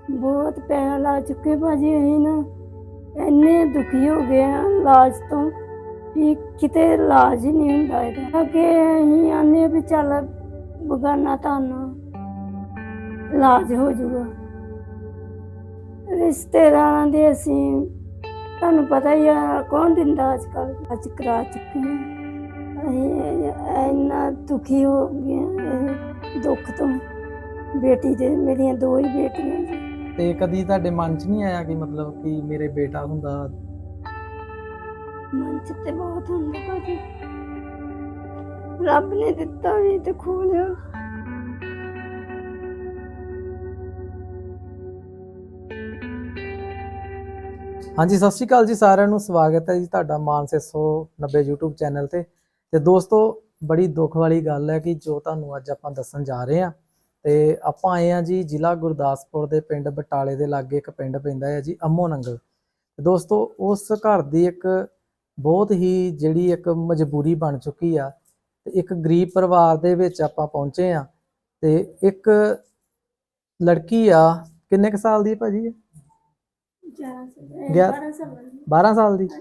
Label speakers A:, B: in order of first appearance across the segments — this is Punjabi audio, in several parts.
A: ਬਹੁਤ ਪੈਸਾ ਲਾ ਚੁੱਕੇ ਭਾਜੀ। ਅਸੀਂ ਨਾ ਇੰਨੇ ਦੁਖੀ ਹੋ ਗਏ ਆ ਇਲਾਜ ਤੋਂ ਵੀ ਕਿਤੇ ਇਲਾਜ ਹੀ ਨਹੀਂ ਹੁੰਦਾ ਇਹਦਾ। ਅੱਗੇ ਅਸੀਂ ਆਨੇ ਵੀ ਚੱਲ ਬਗਾਨਾ ਤੁਹਾਨੂੰ ਇਲਾਜ ਹੋ ਜਾਊਗਾ। ਰਿਸ਼ਤੇਦਾਰਾਂ ਦੇ ਅਸੀਂ ਤੁਹਾਨੂੰ ਪਤਾ ਹੀ ਆ ਕੌਣ ਦਿੰਦਾ ਅੱਜ ਕੱਲ੍ਹ। ਅੱਜ ਕਰਾ ਚੁੱਕੇ ਹਾਂ। ਅਸੀਂ ਇੰਨਾ ਦੁਖੀ ਹੋ ਗਏ ਇਹ ਦੁੱਖ ਤੋਂ। ਬੇਟੀ ਦੇ ਮੇਰੀਆਂ 2 ਹੀ ਬੇਟੀਆਂ ਜੀ।
B: ਤੇ ਕਦੀ ਤੁਹਾਡੇ ਮਨ 'ਚ ਨਹੀਂ ਆਇਆ ਕਿ ਮਤਲਬ ਕਿ ਮੇਰੇ ਬੇਟਾ ਹੁੰਦਾ?
A: ਮਨ 'ਚ ਤੇ ਬਹੁਤ ਹੁੰਦਾ ਭਾਜੀ। ਰੱਬ ਨੇ ਦਿੱਤਾ ਵੀ ਤੇ ਖੋ ਲਿਆ।
B: ਹਾਂਜੀ, ਸਤਿ ਸ਼੍ਰੀ ਅਕਾਲ ਜੀ ਸਾਰਿਆਂ ਨੂੰ। ਸਵਾਗਤ ਹੈ ਜੀ ਤੁਹਾਡਾ ਮਾਨ 690 YouTube ਚੈਨਲ ਤੇ ਦੋਸਤੋ, ਬੜੀ ਦੁੱਖ ਵਾਲੀ ਗੱਲ ਹੈ ਕਿ ਜੋ ਤੁਹਾਨੂੰ ਅੱਜ ਆਪਾਂ ਦੱਸਣ ਜਾ ਰਹੇ ਹਾਂ। ਤੇ ਆਪਾਂ ਆਏ ਹਾਂ ਜੀ ਜ਼ਿਲ੍ਹਾ ਗੁਰਦਾਸਪੁਰ ਦੇ ਪਿੰਡ ਬਟਾਲੇ ਦੇ ਲਾਗੇ ਇੱਕ ਪਿੰਡ ਪੈਂਦਾ ਹੈ ਜੀ ਅੰਮੋ ਨੰਗਲ। ਦੋਸਤੋ, ਉਸ ਘਰ ਦੀ ਇੱਕ ਬਹੁਤ ਹੀ ਜਿਹੜੀ ਇੱਕ ਮਜਬੂਰੀ ਬਣ ਚੁੱਕੀ ਆ ਤੇ ਇੱਕ ਗਰੀਬ ਪਰਿਵਾਰ ਦੇ ਵਿੱਚ ਆਪਾਂ ਪਹੁੰਚੇ ਆ। ਤੇ ਇੱਕ ਲੜਕੀ ਆ, ਕਿੰਨੇ ਕੁ ਸਾਲ ਦੀ ਹੈ ਭਾਜੀ? 12 ਸਾਲ ਦੀ।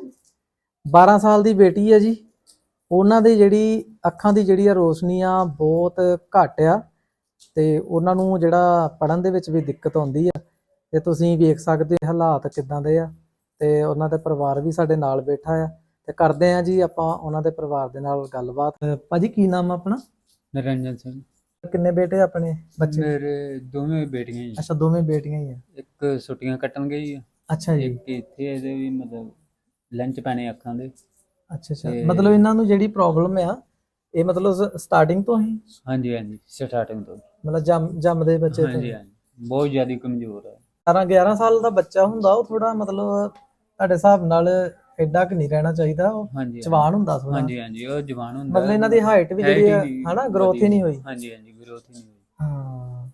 B: 12 ਸਾਲ ਦੀ ਬੇਟੀ ਹੈ ਜੀ। ਉਹਨਾਂ ਦੀ ਜਿਹੜੀ ਅੱਖਾਂ ਦੀ ਜਿਹੜੀ ਆ ਰੋਸ਼ਨੀ ਆ ਬਹੁਤ ਘੱਟ ਆ ਤੇ ਉਹਨਾਂ ਨੂੰ ਜਿਹੜਾ ਪੜ੍ਹਨ ਦੇ ਵਿੱਚ ਵੀ ਦਿੱਕਤ ਆਉਂਦੀ ਆ। ਤੇ ਤੁਸੀਂ ਵੇਖ ਸਕਦੇ ਹੋ ਹਾਲਾਤ ਕਿੱਦਾਂ ਦੇ ਆ। ਤੇ ਉਹਨਾਂ ਦੇ ਪਰਿਵਾਰ ਵੀ ਸਾਡੇ ਨਾਲ ਬੈਠਾ ਆ ਤੇ ਕਰਦੇ ਆ ਜੀ ਆਪਾਂ ਉਹਨਾਂ ਦੇ ਪਰਿਵਾਰ ਦੇ ਨਾਲ ਗੱਲਬਾਤ। ਭਾਜੀ, ਕੀ ਨਾਮ ਆ ਆਪਣਾ?
C: ਨਿਰੰਜਨ ਸਿੰਘ।
B: ਕਿੰਨੇ ਬੇਟੇ ਆਪਣੇ ਬੱਚੇ?
C: ਮੇਰੇ ਦੋਵੇਂ ਬੇਟੀਆਂ ਜੀ।
B: ਅੱਛਾ, ਦੋਵੇਂ ਬੇਟੀਆਂ ਹੀ ਆ।
C: ਇੱਕ ਛੁੱਟੀਆਂ ਕੱਟਣ ਗਈ ਆ,
B: ਅੱਛਾ ਜੀ।
C: ਇੱਕ ਇੱਥੇ ਇਹਦੇ ਵੀ ਮਤਲਬ ਲੰਚ ਪੈਣੇ ਅੱਖਾਂ ਦੇ।
B: ਅੱਛਾ, ਮਤਲਬ ਇਹਨਾਂ ਨੂੰ ਜਿਹੜੀ ਪ੍ਰੋਬਲਮ ਆ ਇਹ ਮਤਲਬ ਸਟਾਰਟਿੰਗ ਤੋਂ ਹੀ?
C: ਹਾਂਜੀ, ਸਟਾਰਟਿੰਗ ਤੋਂ।
B: ਮਤਲਬ ਜੰਮਦੇ ਬੱਚੇ ਤੋਂ?
C: ਹਾਂਜੀ, ਬਹੁਤ ਜ਼ਿਆਦਾ ਕਮਜ਼ੋਰ ਹੈ।
B: 11 ਸਾਲ ਦਾ ਬੱਚਾ ਹੁੰਦਾ ਉਹ ਥੋੜਾ ਮਤਲਬ ਤੁਹਾਡੇ ਹਿਸਾਬ ਨਾਲ ਐਡਾ ਕਿ ਨਹੀਂ ਰਹਿਣਾ ਚਾਹੀਦਾ। ਉਹ ਜਵਾਨ ਹੁੰਦਾ ਥੋੜਾ।
C: ਹਾਂਜੀ, ਉਹ ਜਵਾਨ ਹੁੰਦਾ।
B: ਮਤਲਬ ਇਹਨਾਂ ਦੀ ਹਾਈਟ ਵੀ ਜਿਹੜੀ ਹੈ ਹਨਾ, ਗਰੋਥ ਹੀ ਨਹੀਂ ਹੋਈ।
C: ਹਾਂਜੀ, ਗਰੋਥ ਹੀ ਨਹੀਂ ਹੋਈ।
B: ਹਾਂ।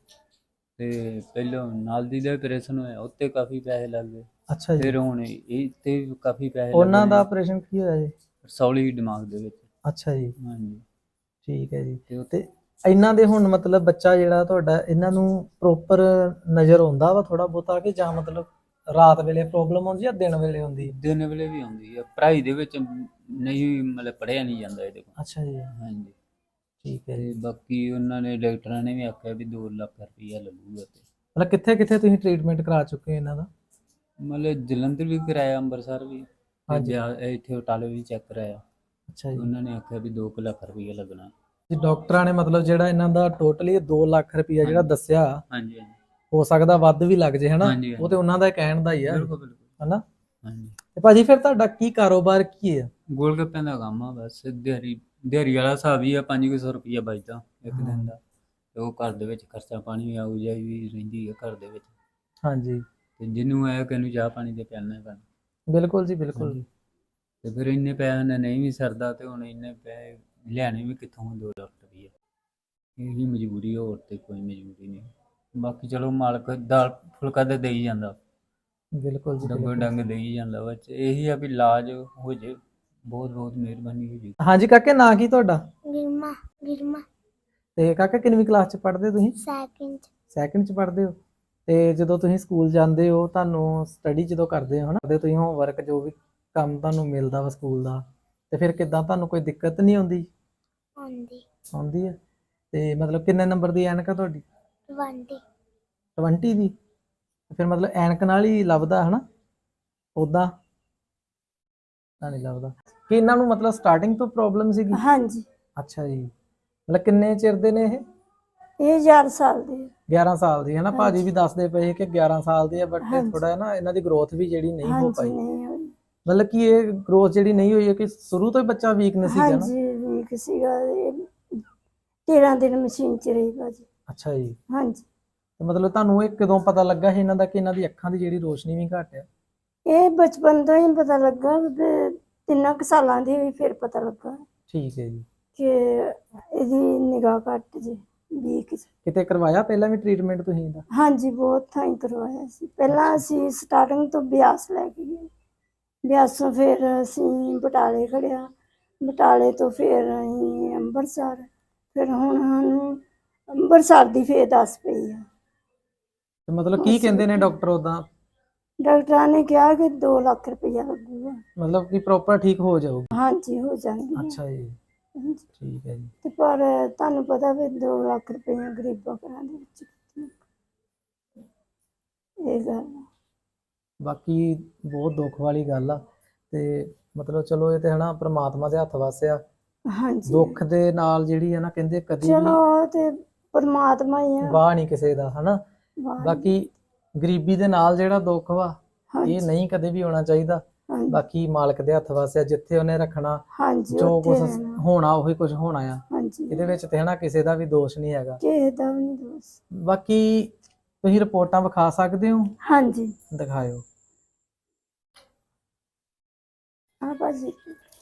C: ਤੇ ਪਹਿਲਾਂ ਨਾਲ ਦੀ ਦਾ ਆਪਰੇਸ਼ਨ ਹੋਇਆ, ਉੱਤੇ ਕਾਫੀ ਪੈਸੇ ਲੱਗ ਗਏ।
B: ਅੱਛਾ ਜੀ।
C: ਫਿਰ ਹੁਣ ਇਹ ਤੇ ਕਾਫੀ ਪੈਸੇ
B: ਉਹਨਾਂ ਦਾ ਆਪਰੇਸ਼ਨ ਕੀ ਹੋਇਆ ਜੀ?
C: ਸੌਲੀ ਦਿਮਾਗ ਦੇ ਵਿੱਚ।
B: ਅੱਛਾ ਜੀ।
C: ਹਾਂਜੀ,
B: ਠੀਕ ਹੈ ਜੀ। ਤੇ ਇਹਨਾਂ ਦੇ ਹੁਣ ਮਤਲਬ ਬੱਚਾ ਜਿਹੜਾ ਤੁਹਾਡਾ, ਇਹਨਾਂ ਨੂੰ ਪ੍ਰੋਪਰ ਨਜ਼ਰ ਆਉਂਦਾ ਵਾ ਥੋੜਾ ਬਹੁਤਾ ਕਿ ਜਾਂ ਮਤਲਬ ਰਾਤ ਵੇਲੇ ਪ੍ਰੋਬਲਮ ਆਉਂਦੀ ਜਾਂ ਦਿਨ ਵੇਲੇ ਹੁੰਦੀ?
C: ਦਿਨ ਵੇਲੇ ਵੀ ਆਉਂਦੀ ਹੈ। ਪੜ੍ਹਾਈ ਦੇ ਵਿੱਚ ਨਹੀਂ ਮਤਲਬ ਪੜ੍ਹਿਆ ਨਹੀਂ ਜਾਂਦਾ ਇਹਦੇ ਕੋਲ।
B: ਅੱਛਾ ਜੀ।
C: ਹਾਂਜੀ,
B: ਠੀਕ ਹੈ
C: ਤੇ
B: ਜੀ।
C: ਬਾਕੀ ਉਹਨਾਂ ਨੇ ਡਾਕਟਰਾਂ ਨੇ ਵੀ ਆਖਿਆ ਵੀ 2 ਲੱਖ ਰੁਪਈਆ ਲੱਗੂਗਾ। ਤੇ
B: ਮਤਲਬ ਕਿੱਥੇ ਕਿੱਥੇ ਤੁਸੀਂ ਟ੍ਰੀਟਮੈਂਟ ਕਰਾ ਚੁੱਕੇ ਇਹਨਾਂ ਦਾ?
C: ਮਤਲਬ ਜਲੰਧਰ ਵੀ ਕਰਾਇਆ, ਅੰਮ੍ਰਿਤਸਰ ਵੀ,
B: ਹਾਂਜੀ।
C: ਇੱਥੇ ਬਟਾਲੇ ਵੀ ਚੈੱਕ ਕਰਾਇਆ।
B: ਅੱਛਾ ਜੀ।
C: ਉਹਨਾਂ ਨੇ ਆਖਿਆ ਵੀ 2 ਲੱਖ ਰੁਪਈਆ ਲੱਗਣਾ।
B: ਜੀ, ਡਾਕਟਰਾਂ ਨੇ ਮਤਲਬ ਜਿਹੜਾ ਇਹਨਾਂ ਦਾ ਟੋਟਲੀ 2 ਲੱਖ ਰੁਪਈਆ ਜਿਹੜਾ ਦੱਸਿਆ,
C: ਹਾਂਜੀ,
B: ਹੋ ਸਕਦਾ ਵੱਧ ਵੀ ਲੱਗ ਜੇ ਹਨਾ।
C: ਹਾਂਜੀ,
B: ਉਹ ਤੇ ਉਹਨਾਂ ਦਾ ਕਹਿਣ ਦਾ ਹੀ ਆ
C: ਬਿਲਕੁਲ
B: ਹਨਾ।
C: ਹਾਂਜੀ।
B: ਤੇ ਭਾਜੀ, ਫਿਰ ਤੁਹਾਡਾ ਕੀ ਕਾਰੋਬਾਰ ਕੀ ਹੈ?
C: ਗੋਲ ਗੱਪਿਆਂ ਦਾ ਕੰਮ ਆ ਬਸ। ਦਿਹਾੜੀ ਵਾਲਾ ਹਿਸਾਬ ਹੀ ਆ। 500 ਰੁਪਈਆ ਬਚਦਾ ਇੱਕ ਦਿਨ ਦਾ। ਤੇ ਉਹ ਘਰ ਦੇ ਵਿੱਚ ਖਰਚਾ ਪਾਣੀ ਆਊ ਜਾਈ ਵੀ ਰਹਿੰਦੀ ਹੈ ਘਰ ਦੇ ਵਿੱਚ।
B: ਹਾਂਜੀ।
C: ਤੇ ਜਿਹਨੂੰ ਆਇਆ ਕਿ ਇਹਨੂੰ ਚਾਹ ਪਾਣੀ ਤੇ ਪਿਆਲਣਾ ਪੈਣਾ।
B: ਬਿਲਕੁਲ ਜੀ, ਬਿਲਕੁਲ।
C: ਤੇ ਫਿਰ ਇੰਨੇ ਪੈਸਿਆਂ ਨਾਲ ਨਹੀਂ ਵੀ ਸਰਦਾ ਤੇ ਹੁਣ ਇੰਨੇ ਪੈਸੇ ਲਿਆਣੇ ਵੀ ਕਿੱਥੋਂ? 2 ਲੱਖ ਰੁਪਈਆ। ਇਹੀ ਮਜਬੂਰੀ, ਹੋਰ ਤੇ ਕੋਈ ਮਜਬੂਰੀ ਨਹੀਂ। ਬਾਕੀ ਚਲੋ ਮਾਲਕ ਦਾਲ ਫੁਲਕਾ ਤੇ ਦੇਈ ਜਾਂਦਾ।
B: ਬਿਲਕੁਲ ਜੀ,
C: ਡੰਗੋ ਡੰਗ ਦੇਈ ਜਾਂਦਾ। ਬਸ ਇਹੀ ਆ ਵੀ ਇਲਾਜ ਹੋ ਜੇ, ਬਹੁਤ ਬਹੁਤ ਮਿਹਰਬਾਨੀ ਹੋ ਜੀ।
B: ਹਾਂਜੀ ਕਾਕੇ, ਨਾਂ ਕੀ ਤੁਹਾਡਾ?
A: ਗਿਰਮਾ।
B: ਤੇ ਕਾਕਾ, ਕਿੰਨਵੀਂ ਕਲਾਸ ਚ ਪੜ੍ਹਦੇ ਹੋ ਤੁਸੀਂ? ਸੈਕਿੰਡ ਚ ਪੜ੍ਹਦੇ ਹੋ। ਤੇ ਜਦੋਂ ਤੁਸੀਂ ਸਕੂਲ ਜਾਂਦੇ ਹੋ, ਤੁਹਾਨੂੰ ਸਟੱਡੀ ਜਦੋਂ ਕਰਦੇ ਹੋ ਹਨਾ, ਤੁਸੀਂ ਹੋਮਵਰਕ ਜੋ ਵੀ ਕੰਮ ਤੁਹਾਨੂੰ ਮਿਲਦਾ ਵਾ ਸਕੂਲ ਦਾ, ਤੇ ਫਿਰ ਕਿੱਦਾਂ ਤੁਹਾਨੂੰ ਕੋਈ ਦਿੱਕਤ ਨਹੀਂ ਆਉਂਦੀ? ਆਉਂਦੀ ਹੈ। ਤੇ ਮਤਲਬ ਕਿੰਨੇ ਨੰਬਰ ਦੀ ਐਨਕ ਆ ਤੁਹਾਡੀ? 20 ਦੀ। ਫਿਰ ਮਤਲਬ ਐਨਕ ਨਾਲ ਹੀ ਲੱਭਦਾ ਹਨਾ, ਉਦਾਂ ਤਾਂ ਨਹੀਂ ਲੱਭਦਾ। ਕਿ ਇਹਨਾਂ ਨੂੰ ਮਤਲਬ ਸਟਾਰਟਿੰਗ ਤੋਂ ਪ੍ਰੋਬਲਮ ਸੀਗੀ?
A: ਹਾਂਜੀ।
B: ਅੱਛਾ ਜੀ। ਮਤਲਬ ਕਿੰਨੇ ਚਿਰ ਦੇ ਨੇ ਇਹ?
A: ਇਹ 11 ਸਾਲ ਦੇ।
B: 11 ਸਾਲ ਦੀ ਹੈ ਨਾ। ਭਾਜੀ ਵੀ ਦੱਸਦੇ ਪਏ ਕਿ 11 ਸਾਲ ਦੀ ਹੈ, ਬਟ ਥੋੜਾ ਨਾ ਇਹਨਾਂ ਦੀ ਗਰੋਥ ਵੀ ਜਿਹੜੀ ਨਹੀਂ ਹੋ ਪਾਈ। ਮਤਲਬ ਕਿ ਇਹ ਗਰੋਥ ਜਿਹੜੀ ਨਹੀਂ ਹੋਈ ਹੈ ਕਿ ਸ਼ੁਰੂ ਤੋਂ ਹੀ ਬੱਚਾ ਵੀਕਨੈਸ ਸੀਗਾ ਨਾ?
A: ਹਾਂਜੀ, ਵੀਕ ਸੀਗਾ। 13 ਦਿਨ ਮਸ਼ੀਨ 'ਚ ਰਹੀ ਭਾਜੀ। ਅੱਛਾ
B: ਜੀ।
A: ਹਾਂਜੀ।
B: ਤੇ ਮਤਲਬ ਤੁਹਾਨੂੰ ਇਹ ਕਦੋਂ ਪਤਾ ਲੱਗਾ ਸੀ ਇਹਨਾਂ ਦਾ ਕਿ ਇਹਨਾਂ ਦੀ ਅੱਖਾਂ ਦੀ ਜਿਹੜੀ ਰੋਸ਼ਨੀ ਵੀ ਘੱਟ ਆ?
A: ਇਹ ਬਚਪਨ ਤੋਂ ਹੀ ਪਤਾ ਲੱਗਾ। 3 ਸਾਲਾਂ ਦੀ ਹੋਈ ਫਿਰ ਪਤਾ ਲੱਗਾ।
B: ਠੀਕ ਹੈ ਜੀ।
A: ਕਿ ਇਹਦੀ ਨਿਗਾਹ ਘੱਟ ਜੀ, ਵੀਕ।
B: ਕਿਤੇ ਕਰਵਾਇਆ ਪਹਿਲਾਂ ਵੀ ਟ੍ਰੀਟਮੈਂਟ ਤੁਸੀਂ ਇਹਦਾ? ਹਾਂਜੀ,
A: ਬਹੁਤ ਥਾਈਂ ਕਰਵਾਇਆ ਸੀ। ਪਹਿਲਾਂ ਅਸੀਂ ਸਟਾਰਟਿੰਗ ਤੋਂ ਬਿਆਸ ਲੈ ਕੇ ਗਏ। ਬਿਆਸੋਂ ਫਿਰ ਅਸੀਂ ਬਟਾਲੇ ਖੜਿਆ। ਬਟਾਲੇ ਤੋਂ ਫਿਰ ਅਸੀਂ ਅੰਮ੍ਰਿਤਸਰ। ਫਿਰ ਹੁਣ ਸਾਨੂੰ ਅੰਮ੍ਰਿਤਸਰ ਦੀ ਫਿਰ ਦੱਸ ਪਈ ਆ।
B: ਤੇ ਮਤਲਬ ਕੀ ਕਹਿੰਦੇ ਨੇ ਡਾਕਟਰ ਉਦਾਂ?
A: ਡਾਕਟਰਾਂ ਨੇ ਕਿਹਾ ਕਿ 2 ਲੱਖ ਰੁਪਇਆ ਲੱਗੂਗਾ।
B: ਮਤਲਬ ਕਿ ਪ੍ਰੋਪਰ ਠੀਕ ਹੋ ਜਾਊਗੀ?
A: ਹਾਂਜੀ ਹੋ ਜਾਣਗੇ।
B: ਅੱਛਾ ਜੀ,
A: ਹਾਂਜੀ।
B: ਠੀਕ ਹੈ ਜੀ।
A: ਤੇ ਪਰ ਤੁਹਾਨੂੰ ਪਤਾ ਵੀ 2 ਲੱਖ ਰੁਪਇਆ ਗਰੀਬਾਂ ਘਰਾਂ ਦੇ ਵਿੱਚ ਕਿੱਥੇ, ਇਹ ਗੱਲ ਆ।
B: ਬਾਕੀ ਬਹੁਤ ਦੁੱਖ ਵਾਲੀ ਗੱਲ ਆ। ਤੇ ਮਤਲਬ ਚਲੋ ਇਹ ਤੇ ਹਨਾ ਪ੍ਰਮਾਤਮਾ ਦੇ ਹੱਥ ਵੱਸ ਆ।
A: ਹਾਂਜੀ
B: ਦੁੱਖ ਦੇ ਨਾਲ ਜਿਹੜੀ ਹੈ ਨਾ ਕਹਿੰਦੇ ਕਦੀ
A: ਚਲੋ
B: ਵੀ
A: ਉਹ ਤੇ ਪਰਮਾਤਮਾ ਹੀ ਆ।
B: ਵਾਹ ਨਹੀਂ ਕਿਸੇ ਦਾ, ਹਨਾ।
A: ਵਾਹ
B: ਬਾਕੀ ਗਰੀਬੀ ਦੇ ਨਾਲ ਜਿਹੜਾ ਦੁੱਖ ਵਾ
A: ਹਾਂਜੀ
B: ਇਹ ਨਹੀਂ ਕਦੇ ਵੀ ਹੋਣਾ ਚਾਹੀਦਾ।
A: ਹਾਂਜੀ
B: ਬਾਕੀ ਮਾਲਕ ਦੇ ਹੱਥ ਵੱਸ ਆ, ਜਿੱਥੇ ਉਹਨੇ ਰੱਖਣਾ
A: ਹਾਂਜੀ
B: ਜੋ
A: ਉੱਥੇ
B: ਕੁਝ
A: ਰਹਿਣਾ।
B: ਹੋਣਾ ਉਹੀ ਕੁਝ ਹੋਣਾ ਆ।
A: ਹਾਂਜੀ
B: ਇਹਦੇ ਵਿੱਚ ਤੇ ਹਨਾ ਕਿਸੇ ਦਾ ਵੀ ਦੋਸ਼ ਨਹੀਂ ਹੈਗਾ।
A: ਕਿਸੇ ਦਾ ਵੀ ਨਹੀਂ ਦੋਸ਼।
B: ਬਾਕੀ ਤੁਸੀਂ ਰਿਪੋਰਟਾਂ ਵਿਖਾ ਸਕਦੇ ਹੋ?
A: ਹਾਂਜੀ
B: ਦਿਖਾਇਓ।
A: ਆ ਭਾਜੀ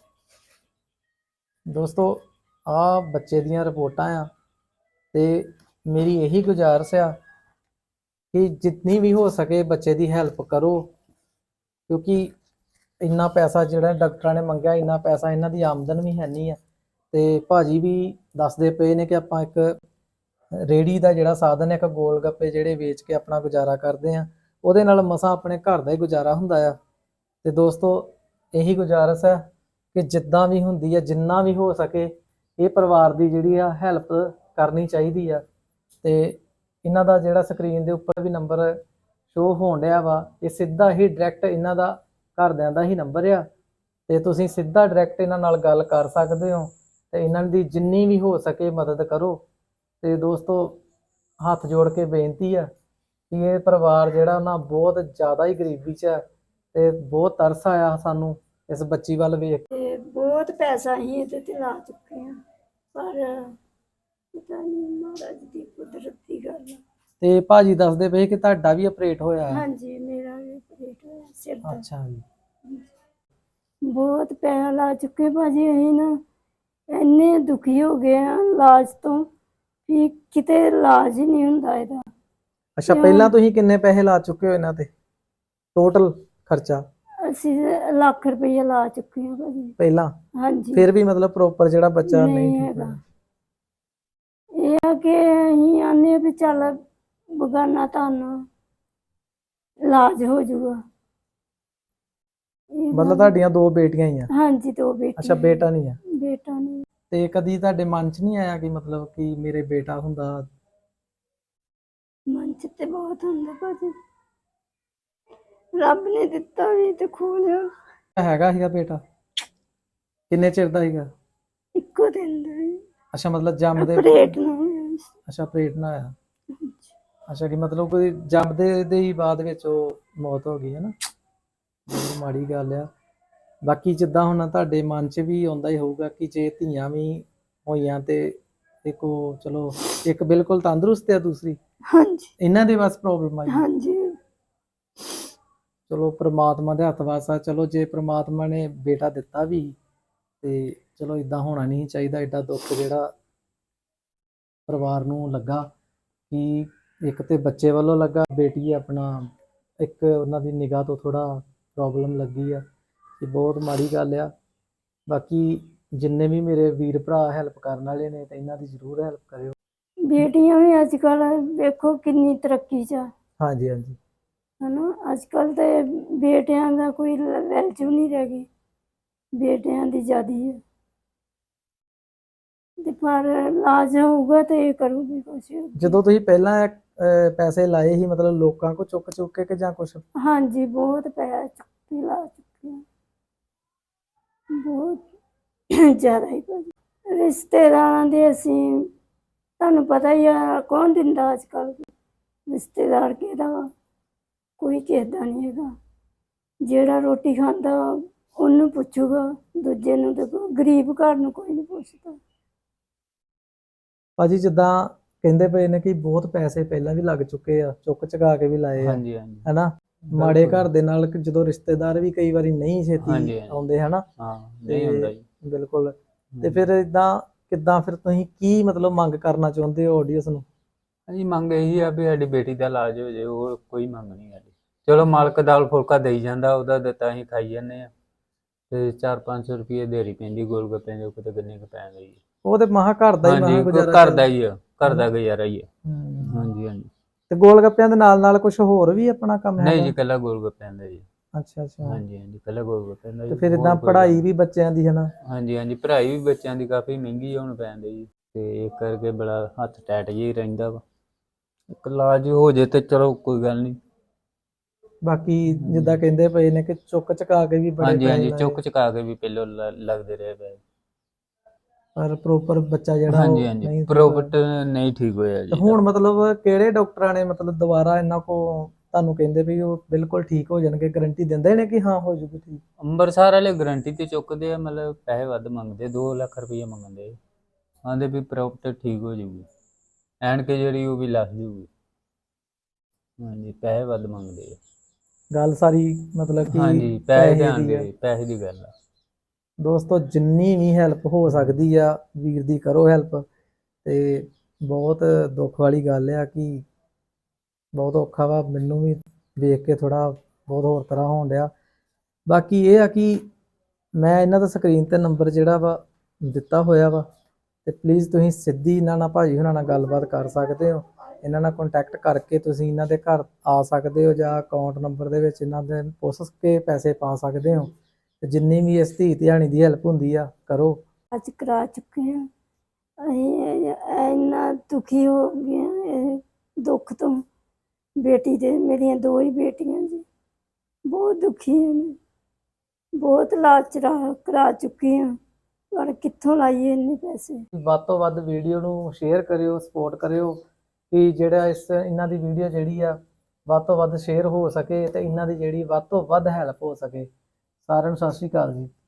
B: ਦੋਸਤੋ ਆ ਬੱਚੇ ਦੀਆਂ ਰਿਪੋਰਟਾਂ ਆ ਤੇ ਮੇਰੀ ਇਹੀ ਗੁਜ਼ਾਰਿਸ਼ ਆ ਕਿ ਜਿੰਨੀ ਵੀ ਹੋ ਸਕੇ ਬੱਚੇ ਦੀ ਹੈਲਪ ਕਰੋ, ਕਿਉਂਕਿ ਇੰਨਾ ਪੈਸਾ ਜਿਹੜਾ ਡਾਕਟਰਾਂ ਨੇ ਮੰਗਿਆ, ਇੰਨਾ ਪੈਸਾ ਇਹਨਾਂ ਦੀ ਆਮਦਨ ਵੀ ਹੈ ਨਹੀਂ ਆ। ਤੇ ਭਾਜੀ ਵੀ ਦੱਸਦੇ ਪਏ ਨੇ ਕਿ ਆਪਾਂ ਇੱਕ ਰੇੜੀ ਦਾ ਜਿਹੜਾ ਸਾਧਨ ਹੈ, ਇੱਕ ਗੋਲ ਗੱਪੇ ਜਿਹੜੇ ਵੇਚ ਕੇ ਆਪਣਾ ਗੁਜ਼ਾਰਾ ਕਰਦੇ ਆ, ਉਹਦੇ ਨਾਲ ਮਸਾਂ ਆਪਣੇ ਘਰ ਦਾ ਹੀ ਗੁਜ਼ਾਰਾ ਹੁੰਦਾ ਆ। ਤੇ ਦੋਸਤੋ ਇਹੀ ਗੁਜ਼ਾਰਿਸ਼ ਹੈ ਕਿ ਜਿੱਦਾਂ ਵੀ ਹੁੰਦੀ ਹੈ, ਜਿੰਨਾ ਵੀ ਹੋ ਸਕੇ ਇਹ ਪਰਿਵਾਰ ਦੀ ਜਿਹੜੀ ਆ ਹੈਲਪ ਕਰਨੀ ਚਾਹੀਦੀ ਆ। ਤੇ ਇਹਨਾਂ ਦਾ ਜਿਹੜਾ ਸਕਰੀਨ ਦੇ ਉੱਪਰ ਵੀ ਨੰਬਰ ਸ਼ੋ ਹੋਣ ਡਿਆ ਵਾ, ਇਹ ਸਿੱਧਾ ਹੀ ਡਾਇਰੈਕਟ ਇਹਨਾਂ ਦਾ ਘਰਦਿਆਂ ਦਾ ਹੀ ਨੰਬਰ ਆ। ਤੇ ਤੁਸੀਂ ਸਿੱਧਾ ਡਾਇਰੈਕਟ ਇਹਨਾਂ ਨਾਲ ਗੱਲ ਕਰ ਸਕਦੇ ਹੋ ਤੇ ਇਹਨਾਂ ਦੀ ਜਿੰਨੀ ਵੀ ਹੋ ਸਕੇ ਮਦਦ ਕਰੋ। ਤੇ ਦੋਸਤੋ ਹੱਥ ਜੋੜ ਕੇ ਬੇਨਤੀ ਆ ਕਿ ਇਹ ਪਰਿਵਾਰ ਜਿਹੜਾ ਨਾ ਬਹੁਤ ਜ਼ਿਆਦਾ ਹੀ ਗਰੀਬੀ 'ਚ ਹੈ ਤੇ ਬਹੁਤ ਤਰਸ ਆਇਆ ਸਾਨੂੰ ਇਸ ਬੱਚੀ ਵੱਲ ਵੇਖ।
A: ਤੇ ਬਹੁਤ ਪੈਸਾ ਹੀ ਇਹਦੇ ਤੇ ਲਾ ਚੁੱਕੇ ਆ, ਪਰ ਪਤਾ ਨਹੀਂ ਮਹਾਰਾਜ ਦੀ ਕੁਦਰਤ ਦੀ ਗੱਲ ਆ।
B: ਤੇ ਭਾਜੀ ਦੱਸਦੇ ਪਏ ਕਿ ਤੁਹਾਡਾ ਵੀ ਆਪਰੇਟ ਹੋਇਆ ਹੈ?
A: ਹਾਂਜੀ ਮੇਰਾ ਵੀ ਆਪਰੇਟ ਹੋਇਆ ਸਿਰ ਦਾ।
B: ਅੱਛਾ ਜੀ।
A: ਬਹੁਤ ਪੈਸਾ ਲਾ ਚੁੱਕੇ ਭਾਜੀ, ਅਸੀਂ ਨਾ ਇੰਨੇ ਦੁਖੀ ਹੋ ਗਏ ਆ ਇਲਾਜ ਤੋਂ ਵੀ ਕਿਤੇ ਇਲਾਜ ਹੀ ਨਹੀਂ ਹੁੰਦਾ ਇਹਦਾ।
B: ਅੱਛਾ, ਪਹਿਲਾਂ ਤੁਸੀਂ ਕਿੰਨੇ ਪੈਸੇ ਲਾ ਚੁੱਕੇ ਹੋ ਇਹਨਾਂ ਤੇ ਟੋਟਲ ਖਰਚਾ?
A: ਅਸੀਂ ਲੱਖ ਰੁਪਈਆ ਲਾ ਚੁੱਕੇ ਹਾਂ ਭਾਜੀ
B: ਪਹਿਲਾਂ?
A: ਹਾਂਜੀ
B: ਫਿਰ ਵੀ ਮਤਲਬ ਪ੍ਰੋਪਰ ਜਿਹੜਾ ਬੱਚਾ ਨਹੀਂ
A: ਨਹੀਂ
B: ਠੀਕ
A: ਹੈਗਾ।
B: ਹੋਇਆ?
A: ਇਹ ਆ ਕਿ ਅਸੀਂ ਆਨੇ ਵੀ ਚੱਲ ਬਗਾਨਾ ਤੁਹਾਨੂੰ ਇਲਾਜ ਹੋ ਜਾਊਗਾ। ਇਹ
B: ਮਤਲਬ
A: ਗੱਲ-
B: ਤੁਹਾਡੀਆਂ 2 ਬੇਟੀਆਂ ਹੀ ਆ?
A: ਹਾਂਜੀ 2 ਬੇਟੇ।
B: ਅੱਛਾ, ਬੇਟਾ ਨਹੀਂ ਆ?
A: ਬੇਟਾ ਨਹੀਂ।
B: ਤੇ ਕਦੀ ਤੁਹਾਡੇ ਮਨ 'ਚ ਨਹੀਂ ਆਇਆ ਕਿ ਮਤਲਬ ਕਿ ਮੇਰੇ ਬੇਟਾ ਹੁੰਦਾ?
A: ਮਨ ਚ ਤੇ ਬਹੁਤ ਹੁੰਦਾ ਭਾਜੀ, ਰੱਬ ਨੇ ਦਿੱਤਾ ਵੀ ਤੇ ਖੋ ਲਿਆ।
B: ਹੈਗਾ ਸੀਗਾ ਬੇਟਾ? ਕਿੰਨੇ ਚਿਰ ਦਾ ਸੀਗਾ?
A: ਇੱਕੋ ਦਿਨ ਦਾ ਹੀ
B: ਅੱਛਾ, ਮਤਲਬ ਜੰਮਦੇ?
A: ਆਪਰੇਟ ਨਾ ਹੋਇਆ ਸੀ।
B: ਅੱਛਾ, ਆਪਰੇਟ ਨਾ ਹੋਇਆ। ਅੱਛਾ, ਕਿ ਮਤਲਬ ਕੋਈ ਜੰਮਦੇ ਦੇ ਹੀ ਬਾਅਦ ਵਿੱਚ ਉਹ ਮੌਤ ਹੋ ਗਈ ਹੈ ਨਾ? ਬਹੁਤ ਮਾੜੀ ਗੱਲ ਆ। ਬਾਕੀ ਜਿੱਦਾਂ ਹੁਣ ਤੁਹਾਡੇ ਮਨ 'ਚ ਵੀ ਆਉਂਦਾ ਹੀ ਹੋਊਗਾ ਕਿ ਜੇ ਧੀਆਂ ਵੀ ਹੋਈਆਂ ਤੇ ਇੱਕ ਉਹ ਚਲੋ ਇੱਕ ਬਿਲਕੁਲ ਤੰਦਰੁਸਤ ਆ, ਦੂਸਰੀ
A: ਹਾਂਜੀ
B: ਇਹਨਾਂ ਦੇ ਬਸ ਪ੍ਰੋਬਲਮ ਆਈ।
A: ਹਾਂਜੀ
B: ਚਲੋ ਪ੍ਰਮਾਤਮਾ ਦੇ ਹੱਥ ਵੱਸ ਆ। ਚਲੋ ਜੇ ਪ੍ਰਮਾਤਮਾ ਨੇ ਬੇਟਾ ਦਿੱਤਾ ਵੀ ਤੇ ਚਲੋ ਇਦਾਂ ਹੋਣਾ ਨਹੀਂ ਚਾਹੀਦਾ। ਐਡਾ ਦੁੱਖ ਜਿਹੜਾ ਪਰਿਵਾਰ ਨੂੰ ਲੱਗਾ ਕਿ ਇੱਕ ਤੇ ਬੱਚੇ ਵੱਲੋਂ ਲੱਗਾ, ਬੇਟੀ ਆਪਣਾ ਇੱਕ ਉਹਨਾਂ ਦੀ ਨਿਗਾਹ ਤੋਂ ਥੋੜਾ ਪ੍ਰੋਬਲਮ ਲੱਗੀ ਆ, ਇਹ ਬਹੁਤ ਮਾੜੀ ਗੱਲ ਆ। ਬਾਕੀ ਜਿੰਨੇ ਵੀ ਮੇਰੇ ਵੀਰ ਭਰਾ ਹੈਲਪ ਕਰਨ ਵਾਲੇ ਨੇ ਤੇ ਇਹਨਾਂ ਦੀ ਜ਼ਰੂਰ ਹੈਲਪ ਕਰਿਓ।
A: ਬੇਟੀਆਂ ਵੀ ਅੱਜ ਕੱਲ ਵੇਖੋ ਕਿੰਨੀ ਤਰੱਕੀ ਚ ਆ,
B: ਹਾਂਜੀ ਹਾਂਜੀ।
A: ਹਨਾ। ਅੱਜ ਕੱਲ ਤੇ ਬੇਟਿਆਂ ਦਾ ਕੋਈ ਵੈਲਿਊ ਨਹੀਂ ਰਹਿ ਗਈ, ਬੇਟਿਆਂ ਦੀ ਜ਼ਿਆਦੀ ਹੈ। ਤੇ ਪਰ ਇਲਾਜ ਹੋਊਗਾ ਤੇ ਇਹ ਕਰੂਗੀ ਕੁਛ।
B: ਜਦੋਂ ਤੁਸੀਂ ਪਹਿਲਾਂ ਪੈਸੇ ਲਾਏ ਸੀ ਮਤਲਬ ਲੋਕਾਂ ਕੋ ਚੁੱਕ ਚੁੱਕ ਕੇ ਕਿ ਜਾਂ ਕੁਛ?
A: ਹਾਂਜੀ ਬਹੁਤ ਪੈਸਾ ਚੁੱਕੇ ਲਾ ਚੁੱਕੇ ਆ, ਬਹੁਤ ਜ਼ਿਆਦਾ ਹੀ ਭਾਜੀ। ਰਿਸ਼ਤੇਦਾਰਾਂ ਦੇ ਅਸੀਂ ਤੁਹਾਨੂੰ ਪਤਾ ਹੀ ਆ, ਕੌਣ ਦਿੰਦਾ ਅੱਜ ਕੱਲ ਰਿਸ਼ਤੇਦਾਰ ਕਿਹਦਾ ਵਾ? ਕੋਈ ਕਿਸੇ ਦਾ ਨਹੀਂ ਹੈਗਾ। ਜਿਹੜਾ ਰੋਟੀ ਖਾਂਦਾ ਉਹਨੂੰ ਪੁੱਛੂਗਾ, ਦੂਜੇ ਨੂੰ ਤੇ ਗਰੀਬ ਘਰ ਨੂੰ ਕੋਈ ਨਹੀਂ ਪੁੱਛਦਾ।
B: ਭਾਜੀ ਜਿੱਦਾਂ ਕਹਿੰਦੇ ਪਏ ਨੇ ਕਿ ਬਹੁਤ ਪੈਸੇ ਪਹਿਲਾਂ ਵੀ ਲੱਗ ਚੁੱਕੇ ਆ, ਚੁੱਕ ਚੁਕਾ ਕੇ ਵੀ ਲਾਏ ਆ,
C: ਹਾਂਜੀ ਹਾਂਜੀ
B: ਹੈਨਾ? ਮਾੜੇ ਘਰ ਦੇ ਨਾਲ ਜਦੋਂ ਰਿਸ਼ਤੇਦਾਰ ਵੀ ਕਈ ਵਾਰੀ ਨਹੀਂ ਛੇਤੀ ਆਉਂਦੇ, ਹਨਾ?
C: ਹਾਂ ਨਹੀਂ ਹੁੰਦਾ ਜੀ।
B: ਬਿਲਕੁਲ। ਤੇ ਫਿਰ ਇਦਾਂ ਕਿੱਦਾਂ ਫਿਰ ਤੁਸੀਂ ਕੀ ਮਤਲਬ ਮੰਗ ਕਰਨਾ ਚਾਹੁੰਦੇ ਹੋ ਆਡੀਅנס ਨੂੰ?
C: ਹਾਂਜੀ ਮੰਗ ਇਹੀ ਆ ਵੀ ਸਾਡੀ ਬੇਟੀ ਦਾ ਇਲਾਜ ਹੋ ਜਾਏ, ਹੋਰ ਕੋਈ ਮੰਗ ਨਹੀਂ ਸਾਡੀ। ਚਲੋ ਮਾਲਕ ਦਾਲ ਫੁਲਕਾ ਦੇਈ ਜਾਂਦਾ, ਉਹਦਾ ਦਿੱਤਾ ਅਸੀਂ ਖਾਈ ਜਾਂਦੇ ਆ। ਤੇ 400-500 ਰੁਪਏ ਦਿਹਾੜੀ ਪੈਂਦੀ ਗੋਲ ਗੱਪਿਆਂ ਦੇ, ਕਿਤੇ ਕਿੰਨੇ ਕੁ ਪੈ ਗਈ।
B: ਉਹ ਤੇ ਮਹਾ ਘਰ ਦਾ ਹੀ ਮਹਾ
C: ਹਾਂਜੀ
B: ਗੁਜ਼ਾਰਾ
C: ਘਰ ਦਾ ਹੀ ਆ, ਘਰ ਦਾ ਗੁਜ਼ਾਰਾ ਹੀ ਆ।
B: ਹੂੰ।
C: ਹਾਂਜੀ ਹਾਂਜੀ।
B: ਤੇ ਗੋਲ ਗੱਪਿਆਂ ਦੇ ਨਾਲ ਨਾਲ ਕੁਝ ਹੋਰ ਵੀ ਆਪਣਾ ਕੰਮ
C: ਨਹੀਂ ਜੀ,
B: ਹੈਗਾ?
C: ਕੱਲਾ ਗੋਲ ਗੱਪਿਆਂ ਦਾ ਜੀ।
B: ਅੱਛਾ ਅੱਛਾ।
C: ਹਾਂਜੀ ਹਾਂਜੀ, ਕੱਲਾ ਗੋਲ ਗੱਪਿਆਂ ਦਾ
B: ਤੇ
C: ਜੀ।
B: ਫਿਰ
C: ਹੋਰ
B: ਇਦਾਂ
C: ਕੋਈ
B: ਪੜ੍ਹਾਈ
C: ਕੰਮ-
B: ਵੀ ਬੱਚਿਆਂ ਦੀ ਹੈ ਨਾ?
C: ਹਾਂਜੀ ਹਾਂਜੀ, ਪੜ੍ਹਾਈ ਵੀ ਬੱਚਿਆਂ ਦੀ ਕਾਫੀ ਮਹਿੰਗੀ ਹੋਣ ਪੈਂਦੀ ਜੀ, ਤੇ ਇਸ ਕਰਕੇ ਬੜਾ ਹੱਥ ਟੈਟ ਜਿਹਾ ਹੀ ਰਹਿੰਦਾ ਵਾ। ਇੱਕ ਇਲਾਜ ਹੋ ਜੇ ਤੇ ਚਲੋ ਕੋਈ ਗੱਲ ਨਹੀਂ।
B: ਬਾਕੀ ਜਿੱਦਾਂ ਕਹਿੰਦੇ ਪਏ ਨੇ ਕਿ ਚੁੱਕ ਚੁਕਾ ਕੇ ਵੀ ਬੜੇ
C: ਹਾਂਜੀ
B: ਪੈਸੇ
C: ਹਾਂਜੀ, ਚੁੱਕ
B: ਲਾਏ,
C: ਚੁਕਾ ਕੇ ਵੀ ਪਹਿਲੋਂ ਲੱਗਦੇ ਰਹੇ ਪਏ।
B: ਪਰ ਪ੍ਰੋਪਰ ਬੱਚਾ ਜਿਹੜਾ
C: ਹਾਂਜੀ
B: ਉਹ
C: ਹਾਂਜੀ,
B: ਨਹੀਂ ਠੀਕ ਹੋਇਆ।
C: ਪ੍ਰੋਪਰਟ ਨਹੀਂ ਠੀਕ ਹੋਇਆ
B: ਤੇ
C: ਜੀ
B: ਹੁਣ
C: ਇਹਦਾ।
B: ਮਤਲਬ ਕਿਹੜੇ ਡਾਕਟਰਾਂ ਨੇ ਮਤਲਬ ਦੁਬਾਰਾ ਇਹਨਾਂ ਕੋ ਤੁਹਾਨੂੰ ਕਹਿੰਦੇ ਵੀ ਉਹ ਬਿਲਕੁਲ ਠੀਕ ਹੋ ਜਾਣਗੇ, ਗਾਰੰਟੀ ਦਿੰਦੇ ਨੇ ਕਿ ਹਾਂ ਹੋ ਜੂਗੀ ਠੀਕ?
C: ਅੰਮ੍ਰਿਤਸਰ ਵਾਲੇ ਗਾਰੰਟੀ ਤੇ ਚੁੱਕਦੇ ਆ, ਮਤਲਬ ਪੈਸੇ ਵੱਧ ਮੰਗਦੇ, 2 ਲੱਖ ਰੁਪਏ ਮੰਗਦੇ। ਆਂਦੇ ਵੀ ਪ੍ਰੋਪਰਟੀ ਠੀਕ ਹੋ ਜਾਊਗੀ, ਐਨਕ ਜਿਹੜੀ ਉਹ ਵੀ ਲੱਗ ਜੂਗੀ। ਹਾਂਜੀ, ਪੈਸੇ ਵੱਧ ਮੰਗਦੇ ਆ।
B: ਗੱਲ ਸਾਰੀ ਮਤਲਬ ਕਿ
C: ਹਾਂਜੀ, ਪੈਸੇ
B: ਪੈਸੇ
C: ਧਿਆਨ
B: ਦੀ ਆ।
C: ਦੇ, ਪੈਸੇ ਦੀ ਗੱਲ ਆ।
B: ਦੋਸਤੋ ਜਿੰਨੀ ਵੀ ਹੈਲਪ ਹੋ ਸਕਦੀ ਆ ਵੀਰ ਦੀ ਕਰੋ ਹੈਲਪ। ਤੇ ਬਹੁਤ ਦੁੱਖ ਵਾਲੀ ਗੱਲ ਆ ਕਿ ਬਹੁਤ ਔਖਾ ਵਾ, ਮੈਨੂੰ ਵੀ ਵੇਖ ਕੇ ਥੋੜਾ ਬਹੁਤ ਹੋਰ ਤਰ੍ਹਾਂ ਹੋਣ ਡਿਆ। ਬਾਕੀ ਇਹ ਆ ਕਿ ਮੈਂ ਇਹਨਾਂ ਦਾ ਸਕਰੀਨ ਤੇ ਨੰਬਰ ਜਿਹੜਾ ਵਾ ਦਿੱਤਾ ਹੋਇਆ ਵਾ, ਤੇ ਪਲੀਜ਼ ਤੁਸੀਂ ਸਿੱਧੀ ਇਹਨਾਂ ਨਾਲ ਭਾਜੀ ਹੁਣਾਂ ਨਾਲ ਗੱਲਬਾਤ ਕਰ ਸਕਦੇ ਹੋ। ਇਹਨਾਂ ਨਾਲ ਕੰਟੈਕਟ ਕਰਕੇ ਤੁਸੀਂ ਇਹਨਾਂ ਦੇ ਘਰ ਆ ਸਕਦੇ ਹੋ, ਜਾਂ ਅਕਾਊਂਟ ਨੰਬਰ ਦੇ ਵਿੱਚ ਇਹਨਾਂ ਦੇ ਪੁੱਛ ਕੇ ਪੈਸੇ ਪਾ ਸਕਦੇ ਹੋ। ਤੇ ਜਿੰਨੀ ਵੀ ਇਸ ਧੀ ਧਿਆਣੀ ਦੀ ਹੈਲਪ ਹੁੰਦੀ ਆ ਕਰੋ।
A: ਅੱਜ ਕਰਾ ਚੁੱਕੇ ਹਾਂ। ਅਸੀਂ ਇੰਨਾ ਦੁਖੀ ਹੋ ਗਏ ਹਾਂ ਇਹ ਦੁੱਖ ਤੋਂ। ਬੇਟੀ ਦੇ, ਮੇਰੀਆਂ 2 ਹੀ ਬੇਟੀਆਂ ਜੀ, ਬਹੁਤ ਦੁਖੀ ਹਾਂ ਮੈਂ। ਬਹੁਤ ਇਲਾਜ ਕਰਾ ਚੁੱਕੀ ਹਾਂ, ਪਰ ਕਿੱਥੋਂ ਲਾਈਏ ਇੰਨੇ ਪੈਸੇ।
B: ਵੱਧ ਤੋਂ ਵੱਧ ਵੀਡੀਓ ਨੂੰ ਸ਼ੇਅਰ ਕਰਿਓ, ਸਪੋਰਟ ਕਰਿਓ, ਕਿ ਜਿਹੜਾ ਇਹਨਾਂ ਦੀ ਵੀਡੀਓ ਜਿਹੜੀ ਆ ਵੱਧ ਤੋਂ ਵੱਧ ਸ਼ੇਅਰ ਹੋ ਸਕੇ ਤੇ ਇਹਨਾਂ ਦੀ ਜਿਹੜੀ ਵੱਧ ਤੋਂ ਵੱਧ ਹੈਲਪ ਹੋ ਸਕੇ। ਸਾਰਿਆਂ ਨੂੰ ਸਤਿ ਸ਼੍ਰੀ ਅਕਾਲ ਜੀ।